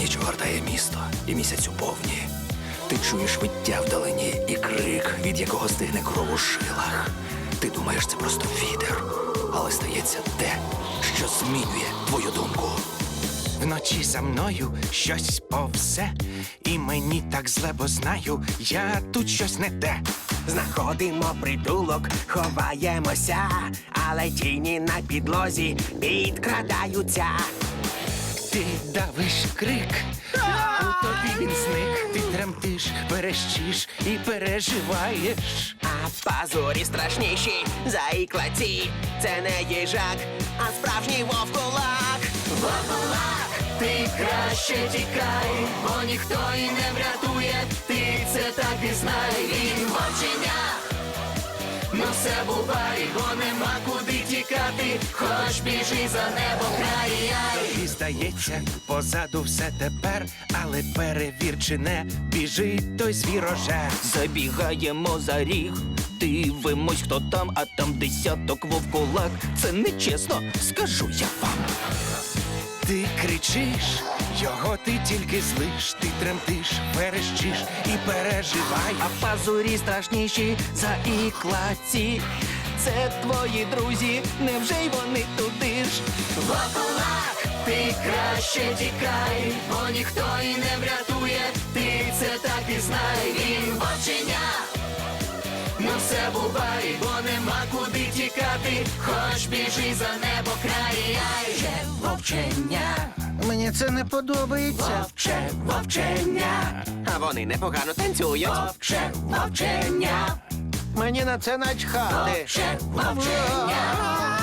Ніч огортає місто, і місяць у повні. Ти чуєш виття вдалині і крик, від якого стигне кров у жилах. Ти думаєш, це просто вітер, але стається те, що змінює твою думку. Вночі за мною щось повзе, і мені так зле, бо знаю, я тут щось не те. Знаходимо притулок, ховаємося, але тіні на підлозі підкрадаються. Ти давиш крик, у тобі він зник. Ти тремтиш, верещиш і переживаєш. А пазурі страшніші за іклаці. Це не їжак, а справжній вовкулак. Вовкулак, ти краще тікай, бо ніхто і не врятує, ти це так і знай, він вовчення. Ну все бувай, бо нема куди тікати, хоч біжи за небом край. І здається, позаду все тепер, але перевір, чи не біжить той звірожер. Забігаємо за ріг, дивимось, хто там, а там десяток вовкулак. Це нечесно, скажу я вам. Ти кричиш, його ти тільки злиш, ти тремтиш, верещиш і переживаєш. А пазурі страшніші за іклаці. Це твої друзі, невже й вони туди ж? Вовкулак, ти краще тікай, бо ніхто і не врятує, ти це так і знай, він вовчення. Ну все бувай, бо нема куди тікати, хоч біжи за небо край. Вовчення, Мені це не подобається. вовче, вовчення. А вони непогано танцюють. Вовче, вовчення. Мені на це начхати. Вовче, вовчення.